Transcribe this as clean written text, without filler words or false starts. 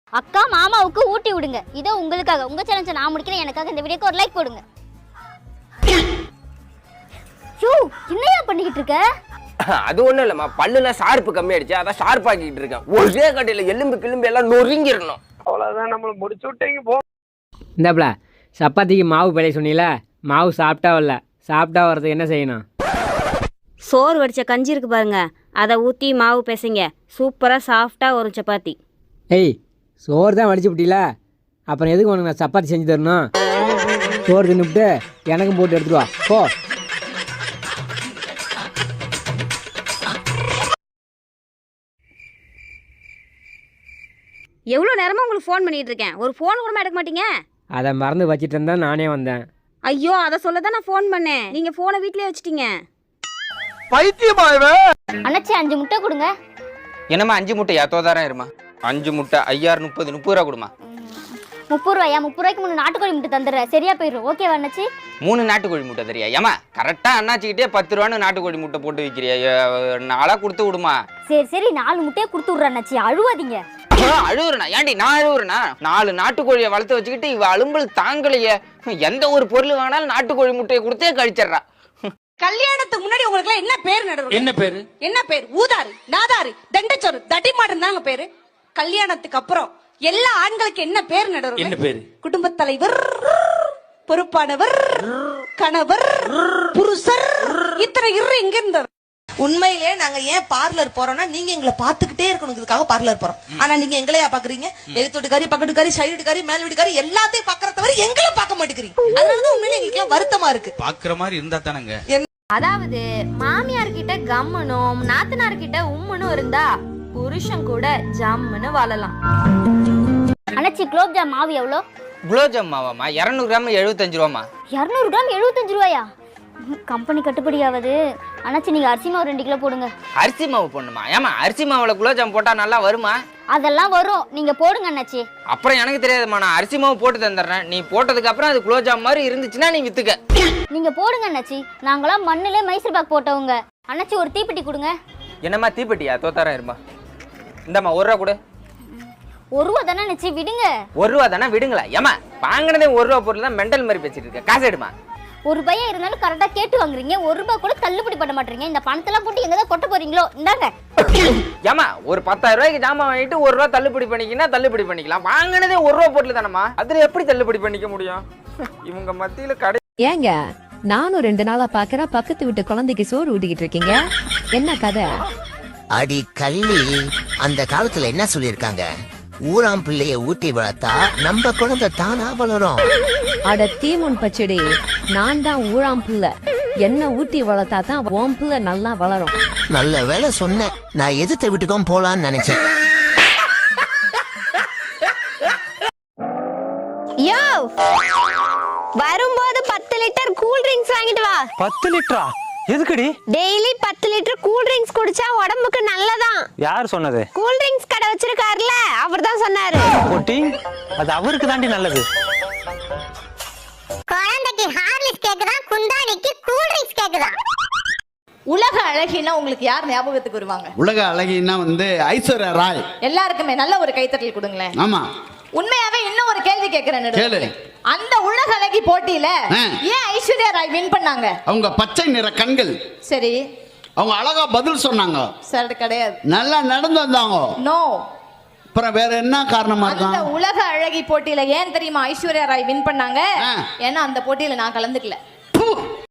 அக்கா மாமாவுக்கு ஊட்டி விடுங்க. இதோ உங்களுக்காக உங்க சேலஞ்சை நான் முடிக்கிறேன். எனக்காக இந்த வீடியோக்கு ஒரு லைக் போடுங்க. ஷூ என்னையா பண்ணிக்கிட்டு இருக்க? அது ஒண்ணும் இல்லம்மா, பல்லுல ஷார்ப்பு கம்மியாயிடுச்சு, அதான் ஷார்ப் ஆக்கிட்டு இருக்கேன். ஒரே கடையில எலும்பு கிளும்பு எல்லாம் நொறுங்கிடணும். அவ்வளவுதான், நம்மள முடிச்சு விட்டீங்க போ. இந்தாப்ல சப்பாத்திக்கு மாவு பிழைய சொன்னீல, மாவு சாப்பிட்டா வரல, சாப்பிட்டா வர்றதுக்கு என்ன செய்யணும்? சோறு வடித்த கஞ்சி இருக்குது பாருங்க, அதை ஊற்றி மாவு பிசைங்க, சூப்பராக சாஃப்டாக ஒரு சப்பாத்தி. ஏய், சோறு தான் வடிச்சு விட்டீல, அப்புறம் எதுக்கு உனக்கு நான் சப்பாத்தி செஞ்சு தரணும்? சோறு தின்னுவிட்டு எனக்கும் போட்டு எடுத்துட்டு வா போ. எவ்வளோ நேரமாக உங்களுக்கு ஃபோன் பண்ணிகிட்டு இருக்கேன், ஒரு ஃபோன் கூட எடுக்க மாட்டீங்க. அதை மறந்து வச்சுட்டு இருந்தா நானே வந்தேன். ஐயோ, அதை சொல்ல தான் நான் ஃபோன் பண்ணேன், நீங்கள் ஃபோனை வீட்லேயே வச்சுட்டீங்க. பைத்தியமாயவே. அண்ணாச்சி 5 முட்டை கொடுங்க. என்னம்மா 5 முட்டையா? தோதாரம் இருமா. 5 முட்டை 5030 30 ரூபா கொடுமா. 30 ரூபாயா? 30 ரூபாய்க்கு 3 நாட்டுக்கோழி முட்டை தந்துடுறேன், சரியா போயிடும். ஓகேவா அண்ணாச்சி? 3 நாட்டுக்கோழி முட்டை தரியா? ஏமா கரெக்டா அண்ணாச்சிக்கிட்டே 10 ரூபான்னு நாட்டுக்கோழி முட்டை போட்டு விற்கிறியா? நாளா கொடுத்து விடுமா. சரி 4 முட்டையை கொடுத்து விட்றேன் அண்ணாச்சி, அழுவாதீங்க. அழுவுறனா? ஏண்டி நான் அழுவுறனா? 4 நாட்டுக்கோழியை வளர்த்து வச்சுக்கிட்டு இவ அலும்பல் தாங்கலையே. எந்த ஒரு பொருள் வாங்கினாலும் நாட்டுக்கோழி முட்டையை கொடுத்தே கழிச்சிடறா. கல்யாணத்துக்கு முன்னாடி உங்களுக்கு எல்லாம் என்ன பேர் நடுவு? என்ன பேரு? என்ன பேர்? ஊதாரி, நாதாரி, தண்டச்சோறு, தடிமாடன் தாங்க பேரு. கல்யாணத்துக்கு அப்புறம் எல்லா ஆண்களுக்கு என்ன பேர் நடுவு? என்ன பேரு? குடும்பத் தலைவர், பொறுப்பானவர், கணவர், புருஷர், இத்தனை இங்க இருந்தவர். உண்மையிலே நாங்க ஏன் பார்லர் போறோம்னா, நீங்க எங்களை பாத்துக்கிட்டே இருக்கணுங்கிறதுக்காக பார்லர் போறோம். ஆனா நீங்க எங்களையா பாக்குறீங்க? எழுத்துட்டுக்காரி, பக்கத்துக்காரி, சைடு வீட்டுக்காரி, மேல் வீட்டுக்காரி எல்லாத்தையும் பாக்குற தவிர எங்களை பார்க்க மாட்டேங்கிறீங்க. அதனாலதான் உண்மையிலே எங்களுக்கு வருத்தமா இருக்கு. பாக்குற மாதிரி இருந்தா தானங்க. அதாவது மாமியார் கிட்ட கம்மனும் நாத்தனார் கிட்ட உம்முனும் இருந்தா புருஷன் கூட ஜம்முன்னு வாழலாம். அண்ணாச்சி குலோப் ஜாம் மாவு எவ்வளோ? குலோப்ஜாம் மாவாமா 200 கிராம் 75 ரூபாமா. 200 கிராம் 75 ரூபாயா? கம்பெனி கட்டுப்படி ஆகுது. அண்ணாச்சி நீங்க அரிசி மாவு 2 கிலோ போடுங்க. அரிசி மாவு போடணுமா? ஏமா அரிசி மாவுல குலோப்ஜாம் போட்டா நல்லா வருமா? அதெல்லாம் வரும், நீங்க போடுங்க அண்ணாச்சி. அப்புறம் எனக்கு தெரியாதுமா, நான் அரிசி மாவு போட்டு தந்துடுறேன். நீ போட்டதுக்கு அப்புறம் அது குலோப்ஜாம் மாதிரி இருந்துச்சுன்னா நீ வித்துக்க. நீங்க போடுங்க அண்ணாச்சி, நாங்களாம் மண்ணிலே மைசூர் பாக் போட்டவங்க. அண்ணாச்சி ஒரு தீப்பெட்டி கொடுங்க. என்னம்மா தீப்பெட்டியா? தோத்தாரம் இருமா. இந்தம்மா 1 ரூபா கொடு. 1 ரூபா தானே அண்ணாச்சி, விடுங்க. 1 ரூபா தானே, விடுங்களா? ஏமா வாங்கினதே 1 ரூபா பொருள் தான், மெண்டல் மாதிரி பேசிட்டு இருக்க. காசு எடுமா. 1 ரூபாயா இருந்தாலும் கரெக்டா கேட்டு வாங்குறீங்க, 1 ரூபாய் கூட தள்ளுபடி பண்ண மாட்டீங்க. இந்த பணத்தெல்லாம் போட்டு எங்கதான் கொட்ட போறீங்களோ? இந்தாங்க. ஏமா ஒரு 10,000 ரூபாய்க்கு ஜாமான் வாங்கிட்டு 1 ரூபா தள்ளுபடி பண்ணிக்கினா தள்ளுபடி பண்ணிக்கலாம். வாங்கினதே 1 ரூபா பொருள் தானம்மா, அதுல எப்படி தள்ளுபடி பண்ணிக்க முடியும்? இவங்க மத்தியில கடை. ஏங்க நானும் 2 நாளா பாக்குறேன், பக்கத்து வீட்டு குழந்தைக்கு சோறு ஊட்டிக்கிட்டு இருக்கீங்க, என்ன கதை? அடி கள்ளி, அந்த காலத்துல என்ன சொல்லிருக்காங்க? ஊராம் பிள்ளைய ஊட்டி வளர்த்தா நம்ம குழந்தை தானா வளரும். அட தீமுன் பச்சடி, நான் தான் ஊழாம் பிள்ளை, என்ன ஊட்டி வளர்த்தா தான் உன் பிள்ளை நல்லா வளரும். நல்ல வேலை சொன்னேன், நான் எதிர்த்த வீட்டுக்கும் போலான்னு நினைச்சேன். யோ, வரும்போது 10 லிட்டர் கூல் ட்ரிங்க்ஸ் வாங்கிட்டு வா. 10 லிட்டரா? எதுக்குடி? டெய்லி 10 லிட்டர் கூல் ட்ரிங்க்ஸ் குடிச்சா உடம்புக்கு நல்லதான். யார் சொன்னது? கூல் ட்ரிங்க்ஸ் கடை வச்சிருக்காருல, அவர் தான் சொன்னாரு. போட்டி, அது அவருக்கு தாண்டி நல்லது. குழந்தைக்கு ஹார்லிக்ஸ் கேக்குதா, குந்தாணிக்கு கூல் ட்ரிங்க்ஸ் கேக்குதா? உலக அழகினா உங்களுக்கு யார் ஞாபகத்துக்கு வருவாங்க? உலக அழகினா ஐஸ்வர்யா ராய். எல்லாருக்குமே நல்ல ஒரு கைத்தட்டல் கொடுங்களேன். ஆமா. உண்மையாவே இன்னும் ஒரு கேள்வி கேக்குறேன். கேளு. அந்த உலக அழகி போட்டியில ஏன் ஐஸ்வர்யா ராய் வின் பண்ணாங்க? அவங்க பச்சை நிற கண்கள். சரி, அவங்க அழகா பதில் சொன்னாங்க. சரி, கிடையாது. நல்லா நடந்து வந்தாங்க. நோ. அப்புறம் வேற என்ன காரணமா இருக்கும்? அந்த உலக அழகி போட்டியில ஏன் தெரியுமா ஐஸ்வர்யா ராய் வின் பண்ணாங்க? ஏன்னா அந்த போட்டியில நான் கலந்துக்கல.